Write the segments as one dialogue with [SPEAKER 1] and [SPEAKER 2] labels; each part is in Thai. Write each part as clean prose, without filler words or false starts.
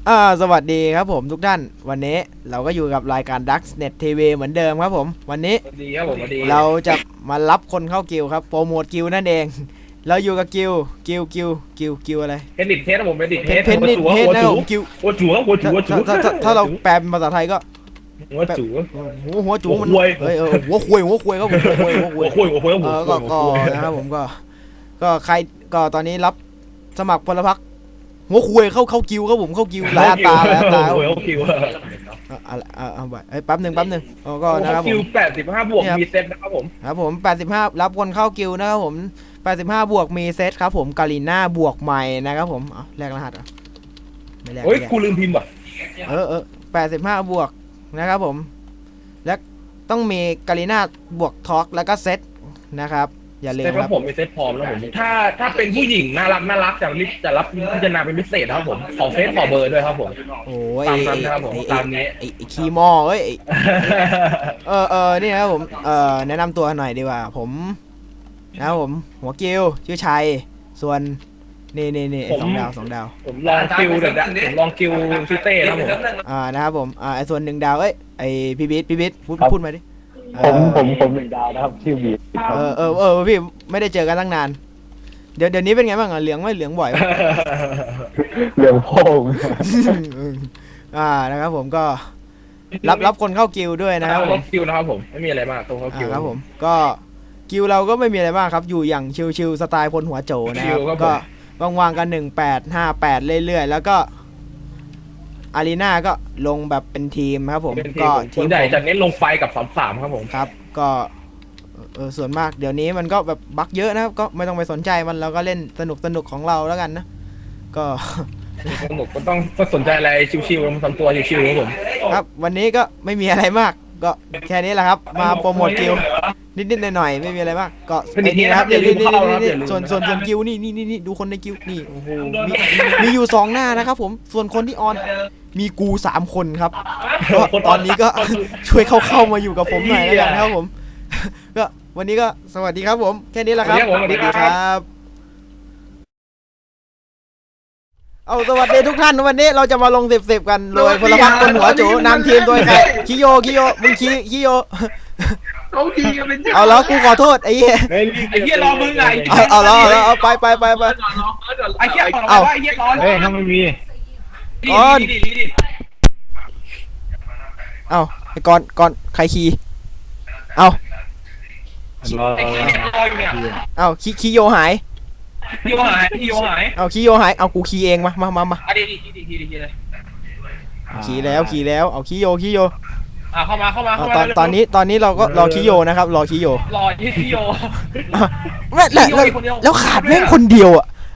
[SPEAKER 1] สวัสดีครับผมทุกท่านวันนี้เราก็อยู่กับรายการ Ducksnet TV เหมือนเดิมครับผมวันนี้
[SPEAKER 2] ดีครับผมดี
[SPEAKER 1] เราจะมารับคนเข้ากิลครับโปรโมทกิลนั่นเองเราอยู่กับกิลอะไร
[SPEAKER 2] เพนดิตเทสครับผมเพนดิตเทส
[SPEAKER 1] เพนนิดเทสนะครับผมกิล
[SPEAKER 2] หัวจูครับหัวจู
[SPEAKER 1] ถ้าเราแปลเป็นภาษาไทยก็
[SPEAKER 2] หัวจู
[SPEAKER 1] หัวจูมันหัวคุยครับผมหัวคุยก็นะครับผมก็ใครก็ตอนนี้รับสมัครพลพรรคหัวคุยเข้ากิวครับผมเข้ากิวหลายอัตรา
[SPEAKER 2] หัวคิว
[SPEAKER 1] แป๊บหนึ่งก็นะครับผม
[SPEAKER 2] คิว85 บวกมีเซตนะครับผม
[SPEAKER 1] ครับผม85รับคนเข้ากิวนะครับผม85บวกมีเซตครับผมกาลิน่าบวกใหม่นะครับผมแลกรหัสไม่แลก
[SPEAKER 2] เฮ้ยกูลืมพิมพ์ว่ะ
[SPEAKER 1] 85บวกนะครับผมและต้องมีกาลิน่าบวกท็อกแล้วก็เซตนะครับอย่าลืมครับ
[SPEAKER 2] ผมมีเซตพร้อมแล้วผมถ้าเป็นผู้หญิงน่ารักจะรับพิจารณาเป็นพิเศษครับผมขอเฟซขอเบอร์ด้วยครับผม
[SPEAKER 1] โอ้ย
[SPEAKER 2] ตามนั้นครับผมตามนี้
[SPEAKER 1] ไอ้คีมอเอ้ยนี่ครับผมแนะนำตัวหน่อยดีกว่าผมนะครับผมหัวกิวชื่อชัยส่วนนี่สองดาว
[SPEAKER 2] ผมลองคิวเดี๋ยวผมลองคิวชื่อเต้ครับผม
[SPEAKER 1] นะครับผมไอ้ส่วน1 ดาวไอ้พี่บิ๊ดพูดมาดิ
[SPEAKER 3] ผม1 ดาวนะครับชื่อบี
[SPEAKER 1] พี่ไม่ได้เจอกันตั้งนานเดี๋ยวนี้เป็นไงบ้างเหลืองไม่เหลืองบ่อย
[SPEAKER 3] เหลืองโพง
[SPEAKER 1] นะครับผมก็รับคนเข้ากิลด้วยนะครับผม
[SPEAKER 2] คิวนะครับผมไม่มีอะไรมากตรงเข้าคิว
[SPEAKER 1] ครับผมก็กิลเราก็ไม่มีอะไรมากครับอยู่อย่างชิลสไตล์พลหัวโจนะครับก็วางกัน1858เรื่อยๆแล้วก็อารีนาก็ลงแบบเป็นทีมครับผมก็
[SPEAKER 2] ทีมใหญ่จะเน้นลงไฟกับ33ครับผม
[SPEAKER 1] ครับก็ส่วนมากเดี๋ยวนี้มันก็แบบบั๊กเยอะนะครับก็ไม่ต้องไปสนใจมันเราก็เล่นสนุกของเราแล้วกันนะก็
[SPEAKER 2] สนุกก็ต้องสนใจอะไรชิวๆทำตัวชิวๆครับผม
[SPEAKER 1] ครับวันนี้ก็ไม่มีอะไรมากก็แค่นี้แหละครับมาโปรโมทกิลนิดหน่อยไม่มีอะไรมากก็นี่นะครับนี่ส่วนกิลนี่ดูคนในกิลนี่โอ้โหมีอยู่2 หน้านะครับผมส่วนคนที่ออนมีกู3 คนครับก็ตอนนี้ก็ช่วยเข้ามาอยู่กับผมหน่อยแล้วกันครับผมก็วันนี้ก็สวัสดีครับผมแค่นี้แหละครับ
[SPEAKER 2] สวัสดี
[SPEAKER 1] ครับสวัสดีทุกท่านวันนี้เราจะมาลง10กันโดยพลพรรคคนหัวโจนำทีมโดยใครคิโยมึงคิโยเอาแล้วกูขอโทษไอ้เหี้
[SPEAKER 2] ยรอมึงไง
[SPEAKER 1] เอาไป
[SPEAKER 2] ไอ้เหี้ยเอาไอ้เหี้ยร้อน
[SPEAKER 3] ถ้าไม่มี
[SPEAKER 1] ก่อนไอ้ก่อนใครขี่คีโยหาย
[SPEAKER 2] คีโยหาย
[SPEAKER 1] คีโยหายกูขี่เองมา
[SPEAKER 2] ดีเลย
[SPEAKER 1] ขี่แล้วคีโย
[SPEAKER 2] เข้ามา
[SPEAKER 1] ตอนนี้เราก็รอคีโยนะครับรอคีโยแล้วขาดแม่งคนเดียว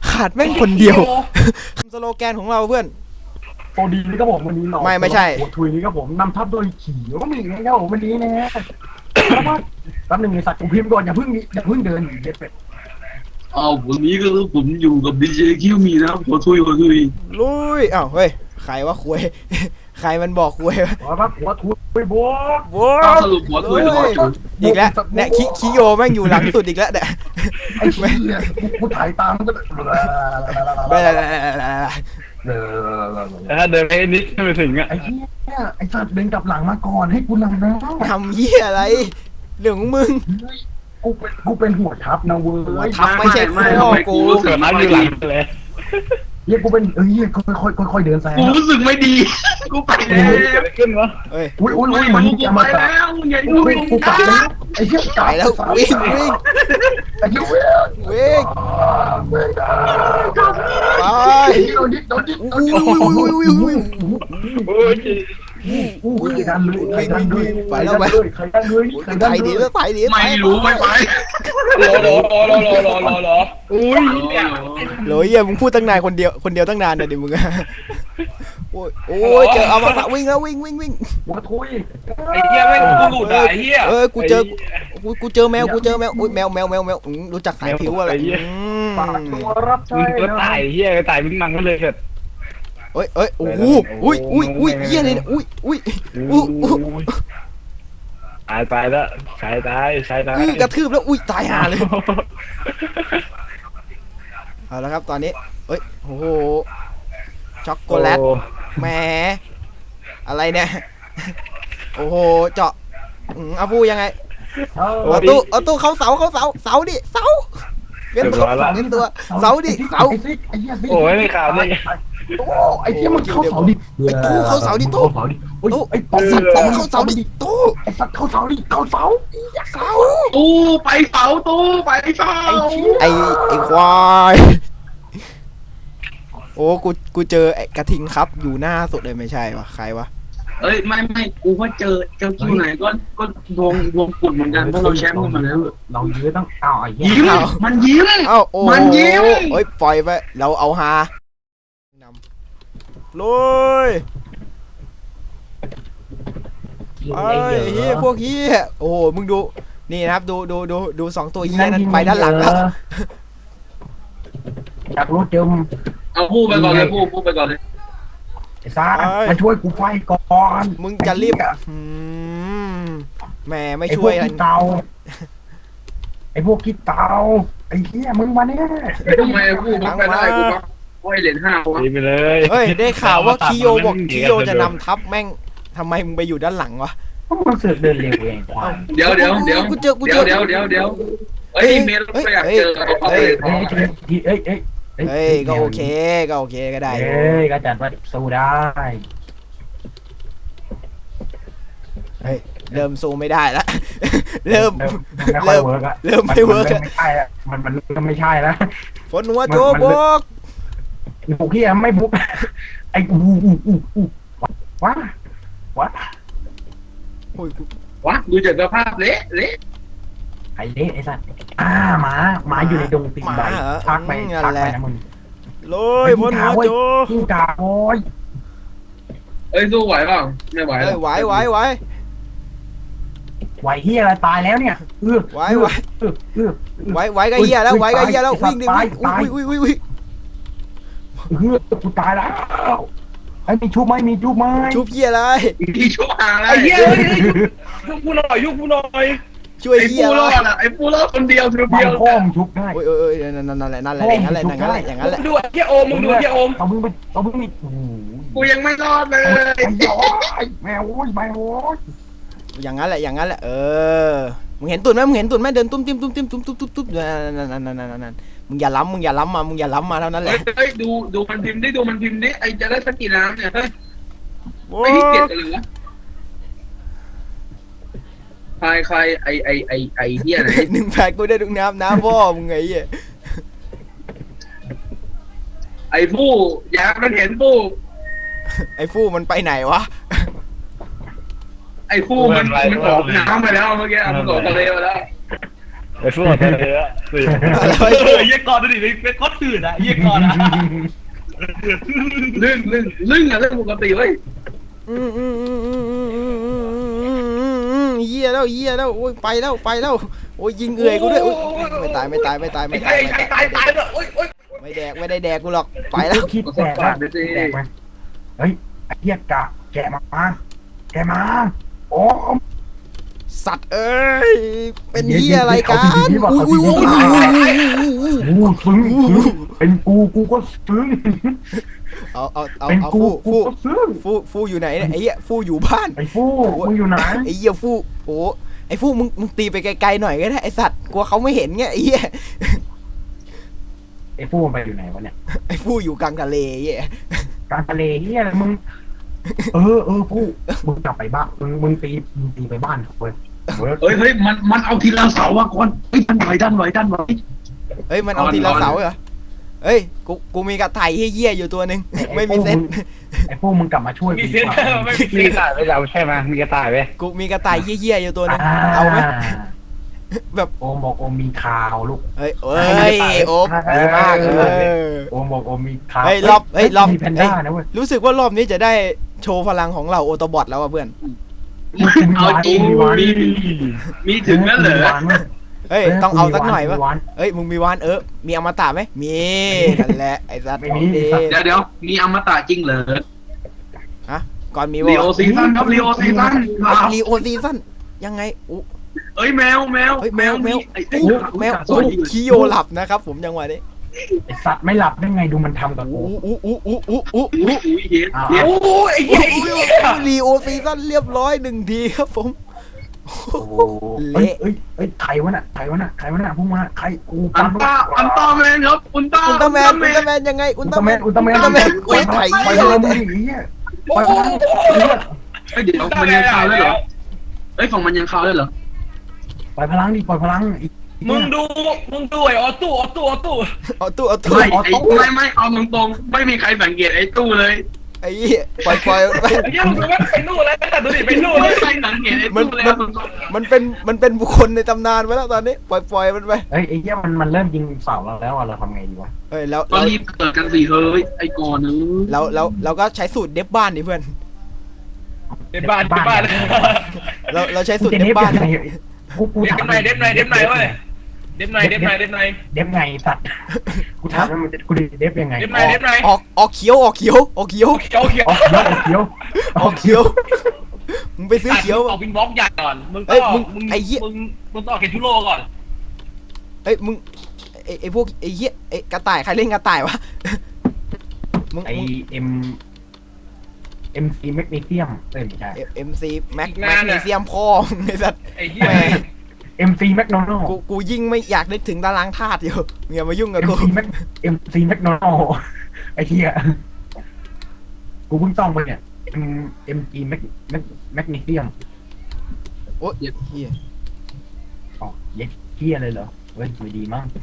[SPEAKER 1] สโลแกนของเราเพื่อน
[SPEAKER 3] โอดีนี่ก็ผมวันนี้
[SPEAKER 1] ไม่ใช่
[SPEAKER 3] หัวทุยนี่ก็ผมนำทัพโดยขี่ก็มีนะครับผมวันนี้นะแป๊บนึงมีสัตว์ผมพิมพ์ก่อนอย่าเพิ่งเดินเด็ดเป็ด
[SPEAKER 4] วันนี้ก็ผมอยู่กับดีเจคิวมีนะครับหัวทุย
[SPEAKER 1] ลุยเฮ้ยใครว่าคุยใครมันบอกคุย
[SPEAKER 3] หัวทุยบวก
[SPEAKER 4] สรุปหัวทุย
[SPEAKER 1] อีกแล้วเนี่ยคิโยแม่งอยู่หลังสุดอีกแล้วเนี่ย
[SPEAKER 3] ไอ้เหี้ยกูถ่ายตามก็
[SPEAKER 4] เดินไปนิดไม่ถึง
[SPEAKER 3] ไอ้เหี้ยไอ้สัตว์เดินกลับหลังมาก่อนให้กูนำนะ
[SPEAKER 1] ทำเหี้ยอะไรเรื่องของมึง
[SPEAKER 3] กูเป็นหัวทัพนะเว้ย
[SPEAKER 1] ทัพไม่ใช่พ่อกู
[SPEAKER 4] เกิดมาอยู่หลังเลย
[SPEAKER 3] เฮียกูเป็นค่อยเดินแซง
[SPEAKER 4] กูรู้สึกไม่ดีกูไปแล้วขึ้นวะ
[SPEAKER 3] อุ้ยเหมือนจะมาแล้วกูกลับแล้วไอ้เหี้ย
[SPEAKER 1] ตายแล้ววิ่ง
[SPEAKER 3] ไอ้เหี้ย
[SPEAKER 1] วิ่งไป
[SPEAKER 3] โดนดิดันเลย
[SPEAKER 1] ไปแล้วไปใครดี
[SPEAKER 4] ไม่รู้ไม่ไป
[SPEAKER 2] รอ
[SPEAKER 1] โหลยมึงพูดตั้งนานคนเดียวตั้งนานเลยดิมึงโอ้ยเจอเอามาวิ่งแล้ววิ่ง
[SPEAKER 3] หัวทุย
[SPEAKER 2] ไอ้เหี้ยแม่งกูหลุดไอ้เหี้ย
[SPEAKER 1] กูเจอแมวอุ้ยแมวรู้จักสายผิวอะไร
[SPEAKER 3] ปากตัวรับใช้
[SPEAKER 4] ก็ตายเหี้ยตายมึงนั่งก็เลยเถิด
[SPEAKER 1] โอ้โหอุ้ยเหี้ยเลยอุ้ย
[SPEAKER 4] ตายแล้วตาย
[SPEAKER 1] กระทืบแล้วอุ้ยตายห่าเลยเอาละครับตอนนี้โอ้โหช็อกโกแลตแหมอะไรเนี่ยโอ้โหเจาะอาฟูยังไงเอาตู้เขาเสาดิเสาเป็นตัวเสาดิเสา
[SPEAKER 3] ไอ้ซิกไอ้เหี้ยซิก
[SPEAKER 2] โอ้ยไม่ข่าวเลย
[SPEAKER 3] โอ้ไอ้เหี้ยมันเข้าเสาดิ
[SPEAKER 1] ไอ้ตู้เขาเสาดิตู้
[SPEAKER 3] ตู้ไอ้
[SPEAKER 1] สัตว์ตู้เขาเสาดิตู้
[SPEAKER 3] ไอ้สัตว์เข้าเสาดิเข้าเสา
[SPEAKER 1] เสา
[SPEAKER 4] ตู้ไปเสาตู้ไปเสา
[SPEAKER 1] ไอ้ควายโอ้กูเจอไอ้กระทิงครับอยู่หน้าสุดเลยไม่ใช่วะใครวะ
[SPEAKER 4] เอ้ยไม่กูว่าเจอคิวไหนก็ดวงกุ่นเหมือนกันเพราะเราแชมป์กันมาแล้ว
[SPEAKER 3] เรายื้อต้องเอาไอ้เหี้ย
[SPEAKER 4] ยิ้มมันยิ้ม
[SPEAKER 1] เอ้าโอ้
[SPEAKER 4] มันยิ้ม
[SPEAKER 1] เอ้ยปล่อยไปเราเอาฮานำลุยไอ้เฮียพวกเฮียโอ้โหมึงดูนี่นะครับดูสองตัวเฮียนั้นไปด้านหลังแล้ว
[SPEAKER 3] อยากรู้เจิม
[SPEAKER 4] เอาพูดไปก่อนเลยพูดไปก่อนเลย
[SPEAKER 3] ไอ้ซ่ามาช่วยกูไฟก่อน
[SPEAKER 1] มึงจะรีบแหมไม่ช่วย
[SPEAKER 3] ไอ้พวกขี้เตาไอ้พวกขี้เตาไอ้เหี้ยมึงมาเนี่ย
[SPEAKER 4] ทำไมพูดไม่ได้กูว่าโอ้ยเหรียญ5วะ
[SPEAKER 2] ดีไปเลย
[SPEAKER 1] เฮ้ยได้ข่าวว่าคิโยบอกคิโยจะนำทัพแม่งทำไมมึงไปอยู่ด้านหลังวะ
[SPEAKER 3] พวกมึงเสือกเดินเร็วเองควาย
[SPEAKER 4] เดี๋ยวเฮ้ยเมลก็อยากเจอเอาเลย
[SPEAKER 1] เฮ้ยก็โอเคก็ได้
[SPEAKER 3] เอ้ยก็จัดว่าสู้ได้
[SPEAKER 1] เฮ้ยเริ่มสู้ไม่ได้แล้ว เริ่ม
[SPEAKER 3] ไม่ค่อยเวิร์กอะ
[SPEAKER 1] เริ่มไม่เวิร์ก
[SPEAKER 3] ไม่ใช่อะมันเริ่มไม่ใช่แล้ว
[SPEAKER 1] ฝนหัวโจบก
[SPEAKER 3] บุกเฮียไม่บุกไอ้ว้า
[SPEAKER 1] โอ้ยกู
[SPEAKER 4] วะดูจากสภาพเละ
[SPEAKER 3] ไอ้เละไอ้สัตว์หมาอยู่ในดงตีนใบพักไปนะมึง
[SPEAKER 1] โลยฝนหัวโจ
[SPEAKER 3] กิ้งก่าโอ้ย
[SPEAKER 4] เอ้ยสู้ไหวเปล่าไม่ไหว
[SPEAKER 1] เฮ้ยไหว
[SPEAKER 3] ไหวเฮียอะไรตายแล้วเนี่ยไหว
[SPEAKER 1] ก็เหี้ยแล้ววิ่งดิวิ่งอุ้ย
[SPEAKER 3] กูตายแล้วไอ้มีชุบไหมมีชุบไหม
[SPEAKER 1] ชุบเหี้ยอะไร
[SPEAKER 4] ที่ชั่วหาอะไร
[SPEAKER 2] ไอ้เหี้ยยุกกูหน่อย
[SPEAKER 1] ช่วย
[SPEAKER 4] ไอ้
[SPEAKER 1] เหี้ย
[SPEAKER 4] ปู
[SPEAKER 1] อะไร
[SPEAKER 4] รอดอ่ะไอ้ปูรอดคนเดียว
[SPEAKER 3] บ้านพ่อมชุบได้
[SPEAKER 1] โอ้ยนั่นแหละอย่างนั้นแหละ
[SPEAKER 2] ดูไอ้เหี้ยโอมมึงดูไอ้เหี้ยโอม
[SPEAKER 3] เอามึงไปโอ้โห
[SPEAKER 4] กูยังไม่รอดเลย
[SPEAKER 3] แมวโอ้ยแมวโอ้ย
[SPEAKER 1] อย่างนั้นแหละมึงเห็นตุ่นไหมเดินตุ้มนั่นมึงอย่าล้ำมาเท่านั้นแหละ
[SPEAKER 4] เฮ้ยดูมันพิมพ์ดิไอจะได้สักกี่น้ำเนี่ยเฮ้ยไม่ขี้เกียจกันเลยวะใครไอเหี้ยไหน
[SPEAKER 1] 1 แพ็คกูได้ทุกน้ำพ่อมึงไงเหี้ย
[SPEAKER 4] ไอผู้อยากมันเห็นผู้
[SPEAKER 1] ไอ้ฟู่มันไปไหนวะ
[SPEAKER 4] ไอผู้มันออกน้ำไปแล้วเมื่อกี้มันออกทะเลไปแล้ว
[SPEAKER 2] ไอ้พวกเธอเยี่ยก่อนดูดิเป็นก้อนตื่นอะเยี่ยก่อนอะ
[SPEAKER 4] ลื่นอะเรื่องปกติเว้ย
[SPEAKER 1] เหี้ยแล้วโอ้ยไปแล้วโอ้ยยิงเอื่อยกูด้วยไม่ตาย
[SPEAKER 2] ตายเลยโอ๊ย
[SPEAKER 1] ไม่ได้แดกกูหรอกไปแล้ว
[SPEAKER 3] คิดแตกไหมเฮ้ยไอ้เหี้ยกะแกมาโอ้
[SPEAKER 1] สัตว์เอ้ยเป็นเหี้ยอะไรกันอุ้ย
[SPEAKER 3] ซึ้งเป็นกูก็ซึ้ง
[SPEAKER 1] เอา
[SPEAKER 3] เป็นกู
[SPEAKER 1] ฟู่
[SPEAKER 3] ก็ซึ้ง
[SPEAKER 1] ฟู่อยู่ไหนเนี่ยไอ้เหี้ยฟู่อยู่บ้าน
[SPEAKER 3] ไอ้ฟูมึงอยู่ไหน
[SPEAKER 1] ไอ้เหี้ยฟู่โอ้ไอ้ฟู่มึงตีไปไกลๆหน่อยก็ได้ไอ้สัตว์กลัวเขาไม่เห็นไงไอ้เหี้ย
[SPEAKER 3] ไอ้ฟูมันไปอยู่ไหนวะเนี่ย
[SPEAKER 1] ไอ้ฟู่อยู่กลางทะเลเหี้ย
[SPEAKER 3] กลางทะเลเฮียอะไรมึงฟูมึงกลับไปบ้านมึงตีไปบ้านเขาเว้ย
[SPEAKER 4] เฮ้ยมันเอาทีละเสาว่ะก่อนเฮ้ยดันไหว
[SPEAKER 1] เฮ้ยมันเอาทีละเสาเหรอเฮ้ยกูมีกระต่ายเหี้ยอยู่ตัวนึงไม่มีเซ็ต
[SPEAKER 3] ไอ้ฟูมึงกลับมาช่วย
[SPEAKER 2] มีเส้นไม่มีกระต่ายไปเราใช่ไหมมีกระต่ายไหม
[SPEAKER 1] กูมีกระต่ายเหี้ยอยู่ตัวนึงเอาไหมแบบ
[SPEAKER 3] โอมบอกโอมมีข่าวลูก
[SPEAKER 1] เฮ้ยโอ๊บดีมาก
[SPEAKER 3] โอมบอกโอมมีข่าว
[SPEAKER 1] เฮ้ยรอบ
[SPEAKER 3] มีแพนด้านะเว้ย
[SPEAKER 1] รู้สึกว่ารอบนี้จะได้โชว์พลังของเราโอโตบอทแล้วอ่ะเพื่อน
[SPEAKER 4] เอาจริงมีถึงนั่นเหรอ
[SPEAKER 1] เฮ้ยต้องเอาสักหน่อยวะเฮ้ยมึงมีวานมีอมตะไหมมีนั่นแหละไอ้สัตว์
[SPEAKER 4] เดี๋ยวมีอมตะจริงเหรอ
[SPEAKER 1] ฮะก่อนมี
[SPEAKER 4] ลีโอซีซั่นครับลีโอซีซั่น
[SPEAKER 1] ยังไงอู้
[SPEAKER 4] เอ้ยแมว
[SPEAKER 1] เฮ้ยแมวคิโยหลับนะครับผมจังหวะนี้
[SPEAKER 3] ไอสัตว์ไม่หลับได้ไงดูมันทำกับกู
[SPEAKER 1] อู้
[SPEAKER 4] เฮ็ด
[SPEAKER 3] อ้าว
[SPEAKER 4] เฮ็ด
[SPEAKER 2] โอ้ยไอ้เหี้ย
[SPEAKER 1] ลีโอซีซั่นเรียบร้อย1 ทีครับผม
[SPEAKER 3] โอ้โหเอ้ยเอ้ยใครวะน่ะพุ่งมาใครกู
[SPEAKER 4] อันต้าแมนครับอุลตร้า
[SPEAKER 1] อุลตร้าแมนยังไงอุลตร้าแมน
[SPEAKER 3] อุลตร้าแมน
[SPEAKER 1] กูไถ
[SPEAKER 3] ไปเลยมึงไอ้เหี้ยไปเลย
[SPEAKER 4] เฮ้ยเดี๋ยวมันยังคาวได้เหรอเฮ้ยของมันยังคาวได้เหรอ
[SPEAKER 3] ปล่อยพลังดิปล่อยพลังอีก
[SPEAKER 2] มึงดูไอ้ออตู้
[SPEAKER 1] เอาตู้
[SPEAKER 4] ไม่ไม่เอาตรงๆไม่มีใครสังเกตไอ้ตู้เลย
[SPEAKER 1] ไอ้เหี้ยปล่อยไป
[SPEAKER 2] ไอ้เหี้ยมึงว่าไปนู่นแล้วดูดิไปนู่น
[SPEAKER 4] ไม่
[SPEAKER 2] เลย
[SPEAKER 4] มีใครสังเกตไอ้ตู้เลย
[SPEAKER 1] มันเป็นบุคคลในตำนานไปแล้วตอนนี้ปล่อยมันไป
[SPEAKER 3] เฮ้ยไอ้เหี้ยมันเริ่มยิงเสาเราแล้วเราทำไงดีวะ
[SPEAKER 1] เฮ้ยแล้ว
[SPEAKER 4] ก็รีบเกิดกันสิเฮ้ยไอ้ก่อนนึง
[SPEAKER 1] เราก็ใช้สูตรเดฟบ้านดิเพื่อน
[SPEAKER 2] ในบ้าน
[SPEAKER 1] เราใช้สูตรเดฟบ้าน
[SPEAKER 3] กู
[SPEAKER 2] เด็บ
[SPEAKER 3] ถาม
[SPEAKER 2] ไหนเว้ยเด็บไหน
[SPEAKER 3] เดฟไงสัตว์กูถามว่ากูเดฟยังไง
[SPEAKER 2] เด็บไหน
[SPEAKER 1] ออกเขียว
[SPEAKER 2] เขียว
[SPEAKER 3] ออกเขียว
[SPEAKER 1] มึงไปซื้อเขียว
[SPEAKER 2] ออกวินบล็อกใหญ่ก่อนมึงต้องออกเกตุโร่ก่อน
[SPEAKER 1] เอ้ยมึงไอ้พวกไอ้เหี้ยไอ้กระต่ายใครเล่นกระต่ายวะมึง
[SPEAKER 3] ไอMC แมกนีเซียมไม่ใช่
[SPEAKER 1] MC แม็กนีเซียมพ่อไอ้สัตว์
[SPEAKER 2] ไอ้เหี้ย
[SPEAKER 3] MC แมกโนนัล
[SPEAKER 1] กูยิ่งไม่อยากนึกถึงตารางธาตุอยู่อย่ามายุ่งกับกู
[SPEAKER 3] MC แมกโนนัลไอ้เหี้ยกูเพิ่งต้องไปเนี่ย MG แมกนีเซียม
[SPEAKER 1] โอ้ยเหี้ย
[SPEAKER 3] อ๋อเย็ดเหี้ยเลยเหรอเว้ยไม่ดีมั้ง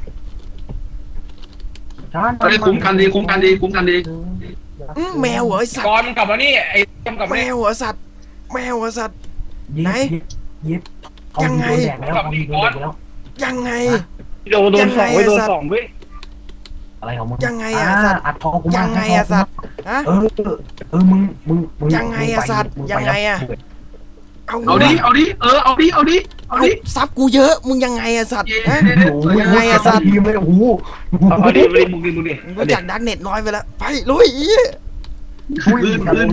[SPEAKER 4] คุ้มกันดี
[SPEAKER 1] แมวเหรอไอ้สัต
[SPEAKER 2] ก่
[SPEAKER 1] ว์
[SPEAKER 2] อนมึงกลับมานี่ไอ้กลับมา
[SPEAKER 1] แม
[SPEAKER 2] นี่
[SPEAKER 1] วเหรอสัตว์แมวเหรอสัตว์ ไหน
[SPEAKER 3] เย็ดเอาดีโดนแดกแล้วเอาดีโดนแดกแล้ว
[SPEAKER 1] ยังไง
[SPEAKER 2] โดนสองเว้ย
[SPEAKER 3] อะไรของมึง
[SPEAKER 1] ยังไงอะสัตว์
[SPEAKER 3] อัดทองกูมา
[SPEAKER 1] ยังไงอะสัตว์ฮะ
[SPEAKER 3] มึง
[SPEAKER 1] ยังไงอะสัตว์ยังไงอะ
[SPEAKER 4] เอาดิเอา
[SPEAKER 1] ซับกูเยอะมึงยังไงอะสัตว์ฮะ ยังไงอะสัตว์
[SPEAKER 3] ทีมเลยโอ้โห
[SPEAKER 2] เอาดิมึงดิ
[SPEAKER 1] มึงรู้จักดักเน็ตน้อยไปแล้วไปลุยอี
[SPEAKER 4] คืน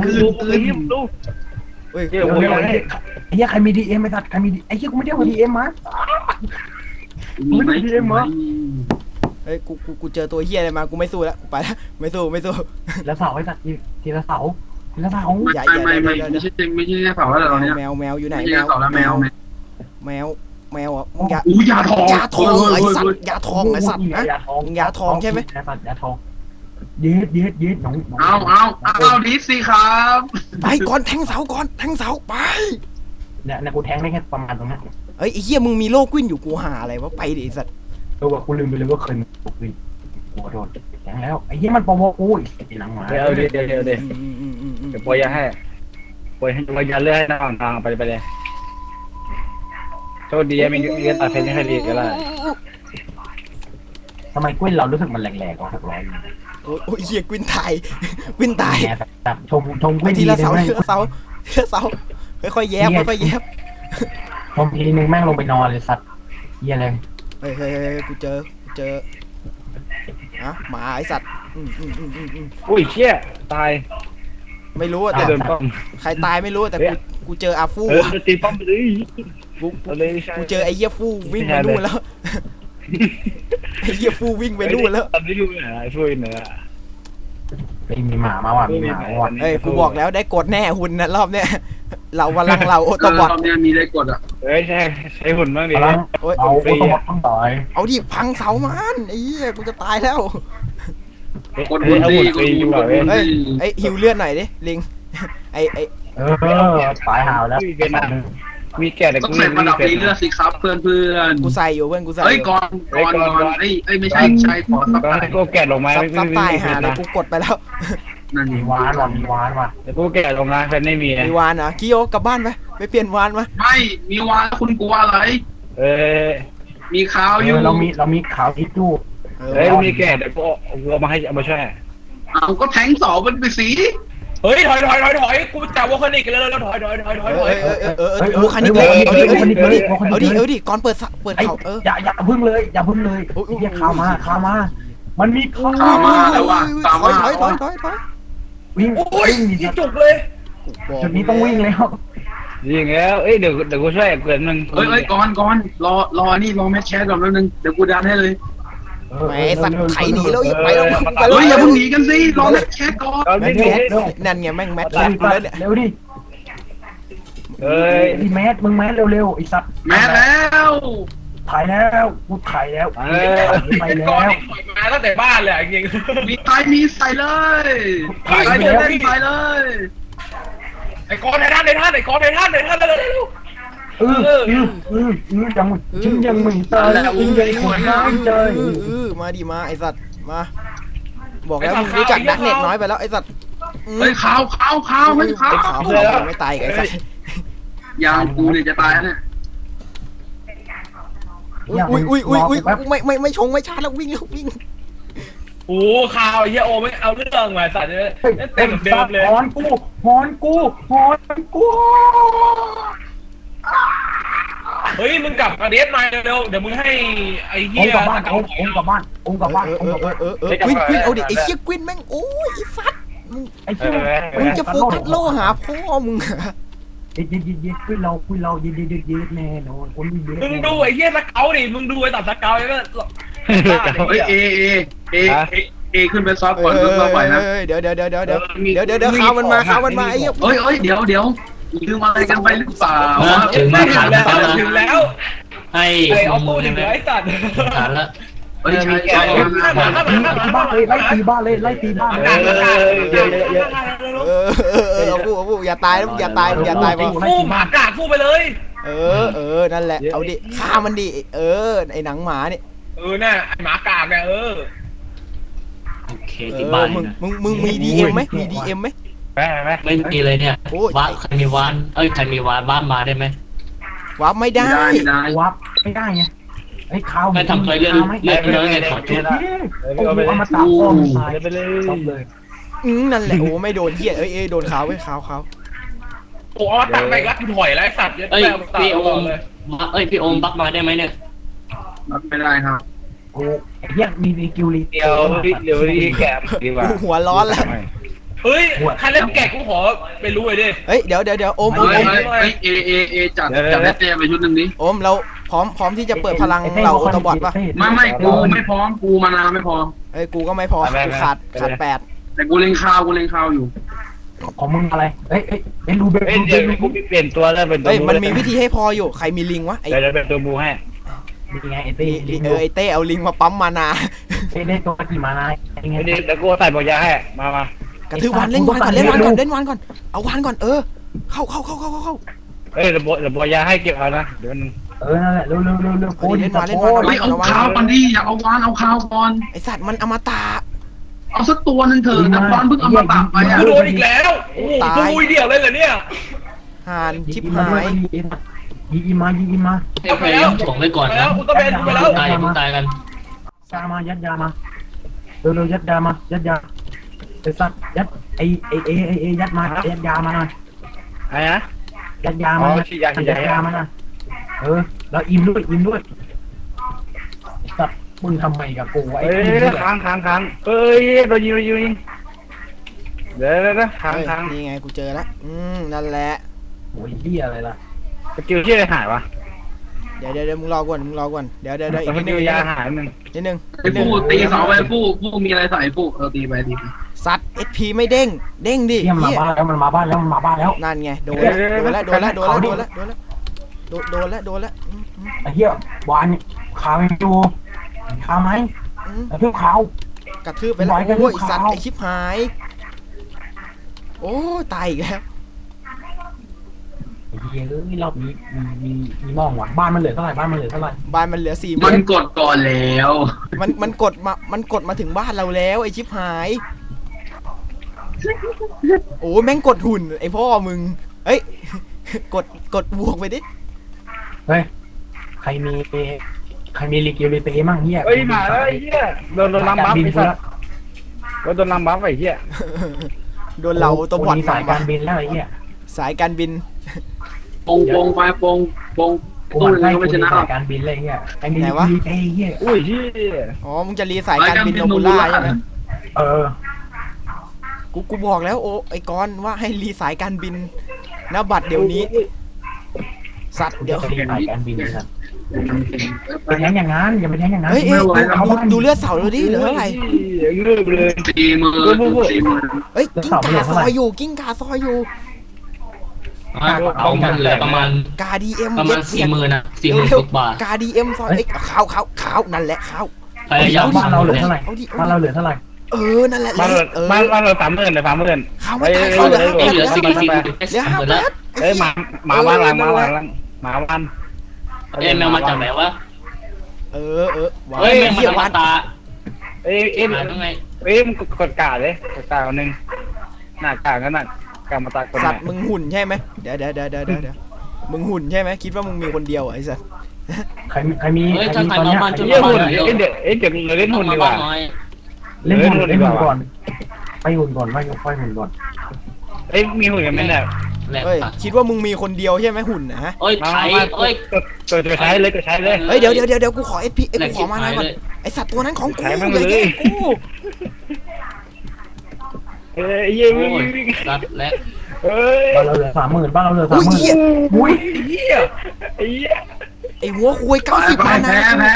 [SPEAKER 1] เฮ้ย
[SPEAKER 2] เดี๋ยว
[SPEAKER 3] ไอ้เหี้ยใครมีดีเอ็มไอ้สัตว์ใครมีไอ้เหี้ยกูไม่ได้เอาดีเอ็มมา
[SPEAKER 4] มีไหม
[SPEAKER 1] เฮ้ยกูเจอตัวเฮียอะไรมากูไม่สู้แล้วกูไปแล้วไม่สู้
[SPEAKER 3] แล้วเสาไอ้สัตว์ทีละเสา
[SPEAKER 4] ไม่ใช่เผาแล้วเราเนี้ย
[SPEAKER 1] แมวอยู่ไหน
[SPEAKER 4] ไม่ใช่เผาแล้วแมว
[SPEAKER 1] แมวอ่ะมึงอย่า
[SPEAKER 4] อู้ยาทอง
[SPEAKER 1] ยาทองไอ้สัตว์ยาทองไอ้สัตว์นะ ยาทองใช่ไหม
[SPEAKER 3] ยาสัตว์ยาทองยืดน้อง
[SPEAKER 4] เอาดีสิครับ
[SPEAKER 1] ไปก่อนแทงเสาไป
[SPEAKER 3] เนี่ยกูแทงได้แค่ประมาณตรงนั้น
[SPEAKER 1] เฮ้ยไอ้เหี้ยมึงมีโลกวินอยู่กูหาอะไรวะไปดิไอ้สัตว์
[SPEAKER 3] ว่ากูลืมไปเลยว่าเคยมีกูวินกูโดนแทงแล้วไอ้เหี้ยมันโปรโมกูไอ้หนังหมา
[SPEAKER 5] เดี๋ยวเดี๋ยวเดี๋ยวปล่อยยาให้ปล่อยยาเลือดให้น้องทางไปเลยโชคดีมีเลือดตัดเพลงให้ดีก็ได้
[SPEAKER 3] ทำไมกุ้ยเรารู้สึกมันแหลกๆกว่า600
[SPEAKER 1] โอ้ยเหี้ยวินตาย
[SPEAKER 3] แบบชม
[SPEAKER 1] ไป
[SPEAKER 3] กุ้ย
[SPEAKER 1] ทีละเสา
[SPEAKER 3] ไหม
[SPEAKER 1] ค่อยๆแยบ
[SPEAKER 3] ชมทีนึงแม่งลงไปนอนเลยสัตว์เหี้ยเลย
[SPEAKER 1] เฮ้ยกูเจออะหมาไอสัตว์
[SPEAKER 5] อุ้ยเชี่ยตาย
[SPEAKER 1] ไม่รู้แต่
[SPEAKER 5] เดินป้อม
[SPEAKER 1] ใครตายไม่รู้แต่กูเจออาฟู
[SPEAKER 5] ตีป้อมไปเลย
[SPEAKER 1] กูเจอไอ้เหี้ยฟูวิ่งไปนู่นแล้วไอ้เหี้ยฟูวิ่งไปนู่นแล้ว
[SPEAKER 5] ตอนนี้ดูไอ้ฟูนเนี่ย
[SPEAKER 3] มีหมามาว่ะมีหมาว่ะ
[SPEAKER 1] เฮ้ยกูบอกแล้วได้กดแน่หุ่นนะรอบเนี้ยเราวันลังเราโอโตบอท
[SPEAKER 4] ตอนนี้มีได้กดอ่ะ
[SPEAKER 5] เฮ้ยใช้หุ่นบ้างดิ
[SPEAKER 1] โอ้ย
[SPEAKER 3] เอาโอโตบอทต้องต่อย
[SPEAKER 1] เอาดิพังเสามันไอ้เหี้ยกูจะตายแล้ว
[SPEAKER 4] กดบุญดีกดบุญดี
[SPEAKER 1] ไอ้หิวเลือดหน่อยดิลิงไอ้
[SPEAKER 3] ตายหาวแล้ว
[SPEAKER 5] มีแก่แต่
[SPEAKER 4] ต้อง
[SPEAKER 5] กู
[SPEAKER 4] ใส่ประดับเลือดสิครับเพื่อน
[SPEAKER 1] กูใส่อยู่เพื่อนกูใส่
[SPEAKER 4] เฮ้ยก่อนไม่ใช่ขอซับ
[SPEAKER 5] ก็ให้กูแก่ลงมา
[SPEAKER 1] ซับตายหาเลยกูกดไปแล้ว
[SPEAKER 4] นั่น
[SPEAKER 3] มีวานว่ะ
[SPEAKER 5] แต่กูแก่ลงมาแฟนไม่มี
[SPEAKER 1] มีวานเหรอกิโยกลับบ้านไปเปลี่ยนวานมา
[SPEAKER 4] ไม่มีวานคุณกลัวอะไร มีขาวอยู่
[SPEAKER 3] เรามีขาวทิชชู่
[SPEAKER 5] เฮ้ยมีแก่แต่กูเอามาให้เอามาช่วย
[SPEAKER 4] เอาก็แทงเสามันไปสี
[SPEAKER 2] เฮ้ยถอยกูจับวอลคานิกแล้วถอย
[SPEAKER 1] โอ้คันนี้เลยเอาดิก่อนเปิดเขา
[SPEAKER 3] อย่าพึ่งเลยเรียกข่าวมามันมีข่าว
[SPEAKER 4] ตามมาแล้วว่ะตามมา
[SPEAKER 1] ถอย
[SPEAKER 3] วิ่ง
[SPEAKER 2] โอ้ยยี่จุกเลย
[SPEAKER 3] จุดนี้ต้องวิ่งแล้ว
[SPEAKER 5] ยิงแล้วเดี๋ยวกูช่วยเกิดมึง
[SPEAKER 4] ก่อนรอนี่รอแมชแชทก่อนแป๊บนึงเดี๋ยวกูดันให้เลย
[SPEAKER 1] แหมไอ้สัตว์ไถหนีแล้วไปแล้วไปแล้ว
[SPEAKER 4] เฮ้ยอย่าเพิ่งหนีกันสิรอเล่นแค่ก่อน
[SPEAKER 5] เราไม่หนี
[SPEAKER 1] นั่นไงแม่งแมท
[SPEAKER 3] เร็
[SPEAKER 1] แล้
[SPEAKER 3] ว
[SPEAKER 1] วเนี่ย
[SPEAKER 3] เร็วดิ
[SPEAKER 5] เอ้ย
[SPEAKER 3] ดิแมสมึงแมสเร็วๆไอ้สัตว์
[SPEAKER 4] แม่แล้ว
[SPEAKER 3] ถ่ายแล้วกูถ่ายแล้วไปแล้
[SPEAKER 2] ก่อน
[SPEAKER 3] ว
[SPEAKER 2] ที่ถอยมาตั้งแต่บ้านเลยจริง
[SPEAKER 4] มีใครมีใส่เลยใส่เลยใส่เลย
[SPEAKER 2] ไอ้กอนในท่านไอ้กอนในท่านเร็ว
[SPEAKER 3] ยังไม่ตายยังคนน้อยใจ
[SPEAKER 1] มาดิมาไอสัตว์มาบอกแล้วมึงรู้จักนักเน็ตน้อยไปแล้วไอสัตว์
[SPEAKER 4] เฮ้ยข่าวไม่ข่าว
[SPEAKER 1] ขาวไม่ตายไอสัตว์
[SPEAKER 4] ยาวกูเนี่ยจะตายแล้วเนี่ย
[SPEAKER 1] อุ้ยไม่ชงไม่ชาแล้ววิ่งแล้ววิ่ง
[SPEAKER 2] โอ้ข่าวไอ้เหี้ยโอไม่เอาเรื่องมาสัตว์เลยเต็มเดิมเลย
[SPEAKER 3] ฮอนกู
[SPEAKER 2] เฮ้ยมึงกลับมาเดสมาเร็วเดี๋ยวมึงให้ไอ้
[SPEAKER 3] อ
[SPEAKER 2] เหี้
[SPEAKER 3] ง
[SPEAKER 2] ย
[SPEAKER 3] กับบ้านองกับบ้าน
[SPEAKER 1] กวินเอาดิไอเชี่ยกวินแม่งโอ้ยไอสัตว์
[SPEAKER 3] ไอ้เชี่ย
[SPEAKER 1] มึงจะโฟกัสโลหาพ่อมึง
[SPEAKER 3] เย็ดคุยเราเย็ดแน่นอนคนนี้เยอะ
[SPEAKER 2] มึงดูไอ้เหี้ยสเกลดิมึงดูไอ้ตัดสเกลแล้ว
[SPEAKER 4] เฮ้ยเอขึ้นไปซอฟก่อนซอฟไปนะ
[SPEAKER 1] เดี๋ยวข่าวมันมาไอ้เหี้ย
[SPEAKER 4] เฮ้ยเดี๋ยวลืมอะไรกันไปหรือเปล่า
[SPEAKER 2] ถึงแล้ว
[SPEAKER 6] ให้
[SPEAKER 2] ไอ้เอาปูถึงไอ้สัตว์
[SPEAKER 6] ฐานละ
[SPEAKER 4] เฮ้ยใช่
[SPEAKER 3] ไล่ตีบ้านเลย
[SPEAKER 1] เอาผู้อย่าตายอย่าตายไป
[SPEAKER 2] ฟูหมากาดฟูไปเลย
[SPEAKER 1] นั่นแหละเอาดิฆ่ามันดิไอหนังหมาเนี่ย
[SPEAKER 2] น่ะไอ้หมากาดเนี่ย
[SPEAKER 6] โอเคที่บ้าน
[SPEAKER 1] มึงมีดีเอ็มไหมมีดีเอ็มไหม
[SPEAKER 6] ไม่มีเลยเนี่ยว้าใครมีวานใครมีวานบ้านมาได้ไหม
[SPEAKER 1] วับไม่ได้
[SPEAKER 3] วับไม่ได้ไงไอ้ข้าว
[SPEAKER 6] ไม่ทำเคยเลื่อนไงขอชุด
[SPEAKER 3] เอามาตัดอ้อมตายไปเลย
[SPEAKER 1] นั่นแหละโอ้ไม่โดนเหี้ยโดนขาวไว้ขาว
[SPEAKER 2] โอ้ตัดไปแล้วกูถอยแล้วไอ้สัตว์เยอะ
[SPEAKER 6] พี่โอมพี่โอมบักมาได้ไหมเนี่ย
[SPEAKER 4] ไม่ได้ครับ
[SPEAKER 3] โอ้ไอ้เหี้ยมีกิวลี
[SPEAKER 5] เดี๋ยวรีแกมดีกว่า
[SPEAKER 1] หัวร้อนแล้ว
[SPEAKER 2] เฮ้ยใครเล่นแกะกูขอไปรู้เลยดิ
[SPEAKER 1] เฮ้ยเดี๋ยวโอม
[SPEAKER 4] เฮ้ยเอจัดได้เตรียมไปชุดนึงนี้
[SPEAKER 1] โอมเราพร้อมที่จะเปิดพลังเหล่าออโตบอทป่ะ
[SPEAKER 4] ไม่กูไม่พร้อมกูมานานไม่พร้อม
[SPEAKER 1] เฮ้ยกูก็ไม่พอกูขาด8
[SPEAKER 4] แต่กูเล่นข้าวอยู่
[SPEAKER 3] ของมึงอะไรเอ้ยรูเบล
[SPEAKER 5] เดี๋ยวกูเปลี่ยนตัวแล้วเป็นตัว
[SPEAKER 1] เฮ้ยมันมีวิธีให้พออยู่ใครมีลิงวะไอ้
[SPEAKER 5] เดี๋ยวเป็นตัวบูให้
[SPEAKER 3] นี่ไงไอ้เต้
[SPEAKER 1] ไอ้เต้เอาลิงมาปั๊มมานา
[SPEAKER 3] ได้ตัวกี่มานายยังไง
[SPEAKER 5] เดี๋ยวกูใส่บอกยาให้มาก
[SPEAKER 1] ระทืบวานเล่นวานก่อนเอาวานก่อนเข้า
[SPEAKER 5] เฮ้ยเดี๋ยวบอกยาให้เก็บเอานะเดี๋ยวมัน
[SPEAKER 3] นั่นแหละเร็วโอ้ย
[SPEAKER 4] เฮ้ยเอาข้าวก่อนดิอย่าเอาวานเอาข้าวก่อน
[SPEAKER 1] ไอสัตว์มันอมตะ
[SPEAKER 4] เอาสักตัวนึงเถอะแต่ตอนเพิ่งเอามาตักไปอ่ะ
[SPEAKER 2] กูโดนอีกแล้วโอ้กูมุยเดี่ยวเลยเหรอเนี่ย
[SPEAKER 1] ห่านชิบหาย
[SPEAKER 3] ยิงมา
[SPEAKER 6] พยายามถ่วงไว้ก่อน
[SPEAKER 2] ไปแล้
[SPEAKER 6] นะ
[SPEAKER 2] วกูต้องเป็นไปแล้ว
[SPEAKER 6] ตายกัน
[SPEAKER 3] ยามายัดยามาเร็วยัดยามายัดยาไอ้สัตว์ยัดไอ้ยัดมายัดยามาหน่อย
[SPEAKER 5] อะไรนะ
[SPEAKER 3] ยัดยามายัดยามาหน่อยแล้วอิ่มด้วยสัตว์มึงทำไมกับกูไอ้
[SPEAKER 5] ค้างเฮ้ยโดนยิงเดี๋ยวค้าง
[SPEAKER 1] นี่ไงกูเจอแล้วนั่นแหละ
[SPEAKER 3] โอ้ยเหี้ยอะไรล่ะ
[SPEAKER 5] สกิลที่อะไรหายวะ
[SPEAKER 1] เดี๋ยวมึงรอก่อนเดี๋ยวอีก
[SPEAKER 5] ส
[SPEAKER 1] นิด
[SPEAKER 5] กิ
[SPEAKER 1] นึ
[SPEAKER 5] ล
[SPEAKER 1] ง
[SPEAKER 5] ยาหายนึง
[SPEAKER 4] ไอ้ผู้ตีเสาไปผู้มีอะไรใส่ผู้ตีไป
[SPEAKER 1] สัตว์ SP ไม่เด้งดิ
[SPEAKER 3] เหี้ยมันมาบ้านแล้ว
[SPEAKER 1] นั่นไงโดนแล้ว
[SPEAKER 3] ไอ้เหี้ยวานขาวอยู่ขาวไหมไอ้เพื่อขาว
[SPEAKER 1] กระทืบไปแล้วโอ้ยสัตว์ไอชิบหายโอ้ตายอีกแล้ว
[SPEAKER 3] ไอ้เหี้ยรอบนี้มีมองว่ะบ้านมันเหลือเท่าไหร่
[SPEAKER 1] บ้านมันเหลือ4
[SPEAKER 4] มันกดก่อนแล้ว
[SPEAKER 1] มันกดมาถึงบ้านเราแล้วไอชิบหายโอ้แม่งกดหุ่นไอพ่อมึงเฮ้ยกดบวกไปดิ
[SPEAKER 3] เฮ้ยใครมีลิกิลิเต้มั่งเหี้ย
[SPEAKER 5] เฮ้ยมาแล้วไอ้เหี้ยโดนลำบัฟไอ้สัสโดนลำบัฟไอ้เหี้ย
[SPEAKER 1] โดนเราตัวบอด
[SPEAKER 3] สายการบินแล้วไอ้เหี้ย
[SPEAKER 1] สายการบิน
[SPEAKER 4] ปงไปปง
[SPEAKER 3] กูให้ไม่ชนะสายการบินเลยเหี้ยไอ้มีลิกิลิเต้เหี้ย
[SPEAKER 5] อุ้ยเหี้ย
[SPEAKER 1] อ๋อมึงจะรีสายการบินโนบูล่าใช่ไหม กูบอกแล้วโอ้ไอ้กอนว่าให้รีสายการบินณบัตรเดี๋ยวนี้สัตว์เดี๋ยว
[SPEAKER 3] สายการบินครับไปแทงอย่างนั้นอย่าไปแทงอย่างนั้น
[SPEAKER 1] เฮ้ยดูเลือดเสาเราดิเหลือเท่าไหร่
[SPEAKER 5] เงือบเลย
[SPEAKER 4] 40,000
[SPEAKER 1] เฮ้ยกิ้งก่าซอยอยู่กิ้งก่าซอยอยู่
[SPEAKER 6] เอามันเหลือประมาณ
[SPEAKER 1] กาดีเอ็ม
[SPEAKER 6] ประมาณ40,000นะ40,000กว่า
[SPEAKER 1] กาดีเอ็มซอยเอ้ยขาวนั่นแหละขาว
[SPEAKER 6] พยายาม
[SPEAKER 3] บ้านเราเหลือเท่าไหร่
[SPEAKER 1] เอาดิ
[SPEAKER 3] บ้านเราเหลือเท่าไหร่
[SPEAKER 1] นั่นแหละ
[SPEAKER 5] บ้านเรา30,000เลย30,000
[SPEAKER 1] ขาวไม่ตายเขาเหลือ
[SPEAKER 6] ไม่เหลือ
[SPEAKER 1] 5,000
[SPEAKER 6] 40,000
[SPEAKER 1] เหลือ
[SPEAKER 6] หมดแล้ว
[SPEAKER 1] 5,000
[SPEAKER 5] เอ้ยมาบ้านหลังมาบ้าน
[SPEAKER 6] แมวมาจากไหนวะ
[SPEAKER 1] ว้า
[SPEAKER 6] เฮ้ยแมวมาจากมาตา
[SPEAKER 5] เอ้ย
[SPEAKER 6] หาตรงไหน
[SPEAKER 5] มึงกดกาเลยกดกาหนึ่งหน้ากาก็หน้ากามาตากด
[SPEAKER 1] สัตว์มึงหุ่นใช่ไหมเดี๋ยวมึงหุ่นใช่ไหมคิดว่ามึงมีคนเดียวไอ้สัตว์
[SPEAKER 3] ใครมี
[SPEAKER 6] เฮ้ย
[SPEAKER 3] ใคร
[SPEAKER 6] ถ้า
[SPEAKER 3] มี
[SPEAKER 6] ใคร
[SPEAKER 3] ตอน
[SPEAKER 6] มา
[SPEAKER 3] เนี้ย
[SPEAKER 6] บ้านจุด
[SPEAKER 5] เดี๋ยวเราเล่น
[SPEAKER 6] ต้อ
[SPEAKER 5] หุ่
[SPEAKER 6] ง
[SPEAKER 5] น
[SPEAKER 6] มา
[SPEAKER 5] ดีก
[SPEAKER 6] บ้า
[SPEAKER 5] ว่า
[SPEAKER 6] นน้อย
[SPEAKER 3] เล่นหุ่นก่อนไปหุ่นก่อนไปหุ่นก่อน
[SPEAKER 5] เอ้ยมีหุ่นกันไหมเนี่ย
[SPEAKER 6] แหลก
[SPEAKER 1] เฮ้ย
[SPEAKER 6] ตัด
[SPEAKER 1] คิดว่ามึงมีคนเดียวใช่ไหมหุ่นนะ
[SPEAKER 6] เอ้ยไถเอ้ย
[SPEAKER 5] กดใช้เลยกดใช้เลย
[SPEAKER 1] เฮ้ยเดี๋ยวกูขอเอพี
[SPEAKER 6] แหล
[SPEAKER 1] กู
[SPEAKER 6] ก
[SPEAKER 1] ข
[SPEAKER 6] ชิ
[SPEAKER 1] อบ มาหน่
[SPEAKER 6] หา
[SPEAKER 1] อย ยก่อน
[SPEAKER 6] เลย
[SPEAKER 1] ไอสัตว์ตัวนั้นของกู
[SPEAKER 5] ขายมัน
[SPEAKER 1] เลย
[SPEAKER 5] เลย
[SPEAKER 1] กู
[SPEAKER 5] เอ้ยยิ่ง
[SPEAKER 6] โอ้ยตัดแหลก
[SPEAKER 5] เอ้ย
[SPEAKER 3] บ้านเราเหลือ30,000บ้านเราเหลือ
[SPEAKER 1] อุ้ย
[SPEAKER 3] 30,000
[SPEAKER 1] เหี้ย
[SPEAKER 5] อุ้ยเหี้ยไอ้เหี้ย
[SPEAKER 1] ไอหัวคุย90 มานะ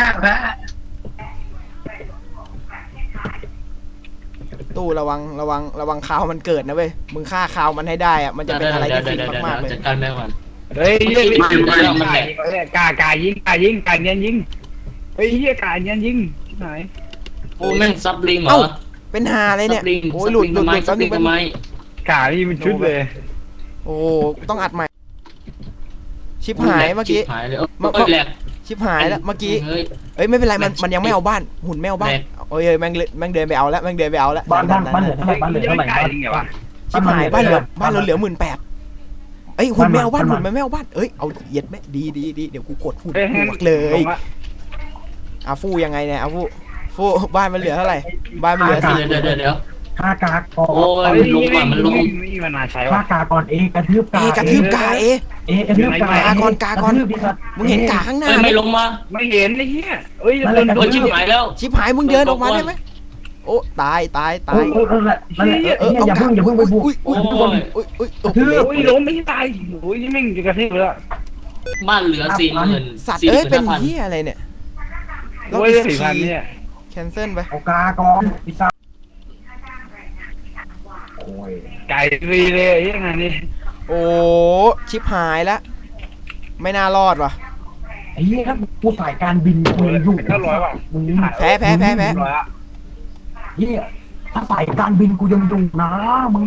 [SPEAKER 1] ตู้ระวังคาวมันเกิดนะเว้ยมึงฆ่าคาวมันให้ได้อะมันจะเป็นอะไรที่ฟินมากๆเลย
[SPEAKER 6] จัดการแมวก่อน
[SPEAKER 5] เฮ้ยกายิงกาเนียนยิงเฮ้ยเหี้ยกาเนียนยิงไหน
[SPEAKER 6] โอ้แม่งซับลิงเหรอ
[SPEAKER 1] เป็นหาอะไรเนี่ย
[SPEAKER 6] ซับลิง
[SPEAKER 1] โอ้ยหลุด
[SPEAKER 6] ซับลิงทำไม
[SPEAKER 5] กานี่มันชุดเลย
[SPEAKER 1] โอ้ต้องอัดใหม่ชิปหายเมื่อกี้
[SPEAKER 6] หายเลยเอ้ยแหลก
[SPEAKER 1] ชิปหายแล้วเมื่อกี้
[SPEAKER 6] เฮ้ย
[SPEAKER 1] เอ้ยไม่เป็นไรมันยังไม่เอาบ้านหุ่นไม่เอาบ้าน
[SPEAKER 6] แม่
[SPEAKER 1] โอ้ยแม่งเดินไปเอาแล้วแม่งเดินไปเอาแล้ว
[SPEAKER 3] บ้านเหลือเท่าไหร่บ้านเหลือเท่าไหร่
[SPEAKER 5] กายิงไงวะ
[SPEAKER 1] ชิบหายบ้านเราเหลือ18,000เอ้ยหุ่นไม่เอาบ้านหุ่นไม่เอาบ้านเอ้ยเอาเหยียดแม่ดีเดี๋ยวกูกดหุ่นบวกเลยอาฟูยังไงเนี่ยอาฟูบ้านมันเหลือเท่าไหร่บ้านมันเหลือ4
[SPEAKER 6] เดี๋ยว
[SPEAKER 3] ฆ่ากากก่อน
[SPEAKER 6] โอ้ยมันลงก่อนมันลง
[SPEAKER 5] ไม่มันน่าใช้
[SPEAKER 3] ฆ่าว
[SPEAKER 5] ะ
[SPEAKER 3] กากก่อนกระทืบกาก
[SPEAKER 1] ระทืบกา
[SPEAKER 3] กระทืบกากระทืบดิสัตว์
[SPEAKER 1] มึงเห็นกาข้างหน้า
[SPEAKER 6] เฮ้ยไม่ลงมา
[SPEAKER 5] ไม่เห็นไอ้เหี้ยเอ้ย
[SPEAKER 6] โดนชิบหายแล้ว
[SPEAKER 1] ชิบหายมึงเดินออกมาได้ไหมโอ้ตาย
[SPEAKER 3] โอ้นั่นแหละอย่าเพิ่งไปบุก
[SPEAKER 1] อุ้ย
[SPEAKER 5] โอ้ยล้มไม่ตายโอ้ยนี่แม่งจะกระทืบแล้ว
[SPEAKER 6] บ้านเหลือ40,000
[SPEAKER 1] สัตว์เอ้ยเป็นเหี้ยอะไรเนี่ย
[SPEAKER 5] โอ้ย4,000เนี่ย
[SPEAKER 1] แคนเซิลไป
[SPEAKER 3] เอากาก่อนดิสัตว์โอ้ย
[SPEAKER 5] ไก่ฟรีเลยยังไงนี่
[SPEAKER 1] โอ้ชิบหายแล้วไม่น่ารอดว่ะ
[SPEAKER 3] ไอ้เหี้ยกูสายการบินกูอยู่
[SPEAKER 5] 900ว่ะ
[SPEAKER 3] มึง
[SPEAKER 1] แพ้
[SPEAKER 3] เหี้ยถ้าสายการบินกูยังอยู่นะมึง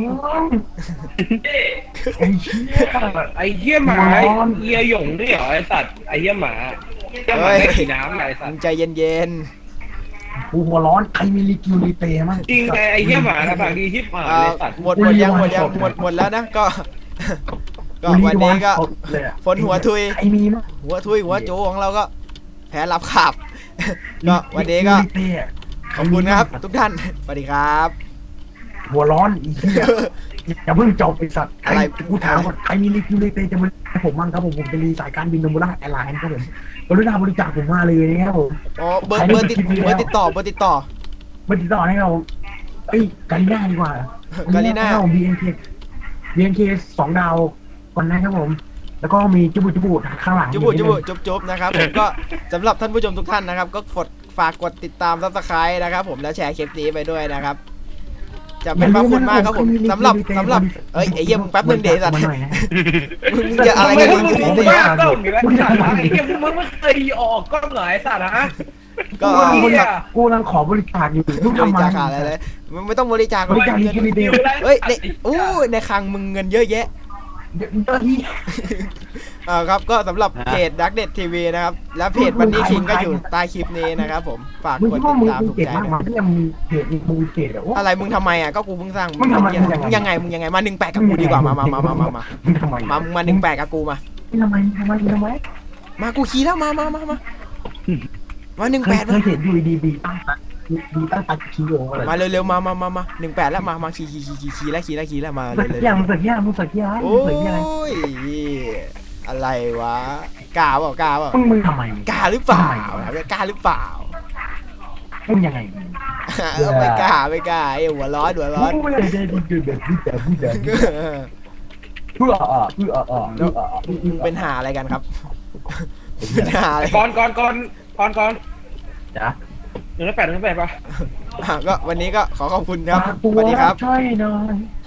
[SPEAKER 3] ไอ้เหี้ย
[SPEAKER 2] ไอ้เหี้ยหมาเหี้ยหยงด้วยเหรอไอ้สัตว์ไอ้เหี้ยหมาไม่กินน้ำไอ้สัต
[SPEAKER 1] มึ
[SPEAKER 2] ว์
[SPEAKER 1] งใจเย็น
[SPEAKER 3] กูหัวร้อนใครมีรีกิวรีเตมั้ง
[SPEAKER 2] จริงไอ้เหี้ยหมานะปากดีชิบหาย
[SPEAKER 1] ๆ
[SPEAKER 2] ไอ้สัตว์
[SPEAKER 1] หมดแล้วนะก็วันนี้ก็ฝนหัวทุย
[SPEAKER 3] ใครมีมั้ง
[SPEAKER 1] หัวโจของเราก็แพ้รับขับ ก็วันนี้ก็ขอบคุณนะครับทุกท่านสวัสดีครับ
[SPEAKER 3] หัวร้อนอีกทีอย่าเพิ่งจบไอ้สัตว์
[SPEAKER 1] อะไร
[SPEAKER 3] กูถามก่อนใครมีรีคิวรีเตจะมาให้ผมมั่งครับผมจะรีสายการบินโนมูล่าแอร์ไลน์ครับผมกรุณาบริจาคผมมาเลยนะครับผม
[SPEAKER 1] อ๋อเบอร์ติดต่อ
[SPEAKER 3] มาติดต่อให้เราเอ้ยกาลิน่าดีกว่าก
[SPEAKER 1] าลิน่า
[SPEAKER 3] BNK 2 ดาวก่อนนะครับผม แล้วก็มีจุบุข้างหลัง
[SPEAKER 1] จุบนะครับผมก็สำหรับท่านผู้ชมทุกท่านนะครับก็ฝากกดติดตามSubscribeนะครับผมแล้วแชร์คลิปนี้ไปด้วยนะครับจะเป็นพระคุณมากครับผมสำหรับเอ้ยไอ้เหี้ยมึงแป๊บนึงเดี๋ยวสัตว์มึงจะอะไรกันมึง
[SPEAKER 2] มึงบ้ากล้องอยู่แล้วไอ้เหี้ยมึงไม่เคยออกกล้องเหรอไอ้สัตว์ฮะ
[SPEAKER 1] ก็
[SPEAKER 3] กูกำลังขอบริจาคอยู่มึง
[SPEAKER 1] บ
[SPEAKER 3] ทำ
[SPEAKER 1] ริ
[SPEAKER 3] ไม
[SPEAKER 1] จาคอะไรเลยมึงไม่ต้องบริจาค
[SPEAKER 3] บริจาครีคิวรีเต
[SPEAKER 1] เฮ้ยในคลังมึงเงินเยอะแยะ
[SPEAKER 3] เจ้าที่
[SPEAKER 1] ครับก็สำหรับเพจดักเด็ดทีวีนะครับและเพจวันนี้คิงก็อยู่ใต้คลิปนี้นะครับผมฝาก
[SPEAKER 3] มึง
[SPEAKER 1] กด
[SPEAKER 3] คิด
[SPEAKER 1] ติ
[SPEAKER 3] ว่า
[SPEAKER 1] ด
[SPEAKER 3] มึง
[SPEAKER 1] ตามถูก
[SPEAKER 3] เก่ง
[SPEAKER 1] ใจ
[SPEAKER 3] มาก
[SPEAKER 1] ด้วย
[SPEAKER 3] มั้ยยังมีเพจมึงเก่งอะ
[SPEAKER 1] อะไรมึงทำไมอ่ะก็กูเพิ่งสร้าง
[SPEAKER 3] มึงทำไม
[SPEAKER 1] มึงยังไงมา18กับกูดีกว่ามา
[SPEAKER 3] มึงทำไม
[SPEAKER 1] มา18กับกูมา
[SPEAKER 3] ทำไม
[SPEAKER 1] มากูขี่แล้วมา18
[SPEAKER 3] เคยเห็นอยู่ดีตั้งตัดคีโออะไร
[SPEAKER 1] มาเร็วๆมา18แล้วมาขี่แล้วมาเร็ว
[SPEAKER 3] มึงสักอย่าง
[SPEAKER 1] โอ้ยอะไรวะกล้าเปล่า
[SPEAKER 3] มึงทำไม
[SPEAKER 1] กล้าหรือเปล่า
[SPEAKER 3] มึงยังไง
[SPEAKER 1] ไม่กล้าไอ้หัวร้อน
[SPEAKER 3] ไม่ได้ดีแบบนี้แต่
[SPEAKER 1] มึงเป็นหาอะไรกันครับ เป็นหาอะไร
[SPEAKER 2] ก่อน
[SPEAKER 3] จ้ะ
[SPEAKER 2] 108ป่ะ
[SPEAKER 1] ก็วันนี้ก็ขอขอบคุณครับสวัสดีครับ
[SPEAKER 3] ช่วยหน่อย